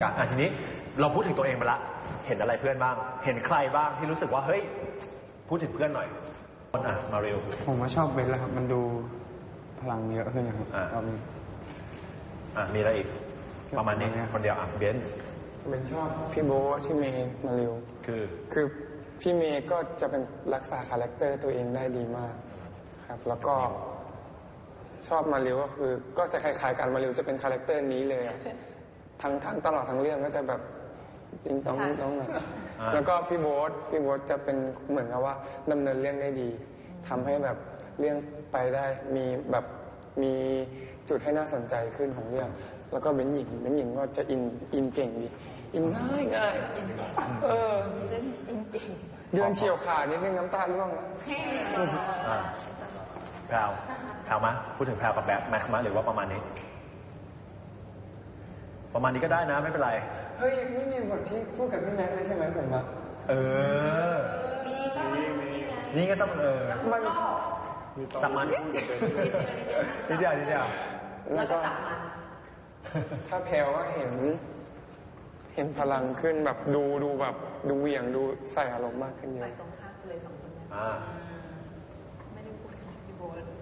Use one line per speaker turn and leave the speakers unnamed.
กันทีนี้เราพูดถึงตัวเองไปละเห็นอะไรเพื่อนบ้างเห็นใครบ้างที่รู้สึกว่าเฮ้ยพูดถึงเพื่อนหน่อยมาเร็ว
ผมว่าชอบเบนแล้วครับมันดูพลังเยอะขึ้นนะครับรอบนี้
มีอะไรอีกประมาณนี้คนเดียวเบน
ชอบพี่โบ๊ทพี่เมย์มาเร็วคือพี่เมย์ก็จะเป็นรักษาคาแรคเตอร์ตัวเองได้ดีมากครับแล้วก็ชอบมาเร็วก็คือก็จะคล้ายๆกันมาเร็วจะเป็นคาแรคเตอร์นี้เลยทั้งตลอดทั้งเรื่องก็จะแบบติ้งต้องนะแล้วก็พี่โบ๊ทจะเป็นเหมือนกับว่าดำเนินเรื่องได้ดีทำให้แบบเรื่องไปได้มีจุดให้น่าสนใจขึ้นของเรื่องแล้วก็เบนหญิงก็จะอินเก่งดีอินง่ายเดินเฉียวขานิดนึงน้ำตาร่วง
แพรวมาพูดถึงแพรวกับแบบแม็กซ์มาหรือว่าประมาณนี้ก็ได้นะไม่เป็นไร
เฮ้ยไม่มีบทที่พูดกับพี่แม็กซ์เลยใช่ไหมผมอะ
นี่ก็ต้อง
มัน
จับมันนิดเดียว
แล้วก็จับมัน
ถ้าแพรวก็เห็นพลังขึ้นแบบดูแบบดูเหวี่ยงดูใส่อารมณ์มากขึ้นเยอะ
ตรงข้ามเลย2 คนไม่ได้พูดกับพี่โบ๊ท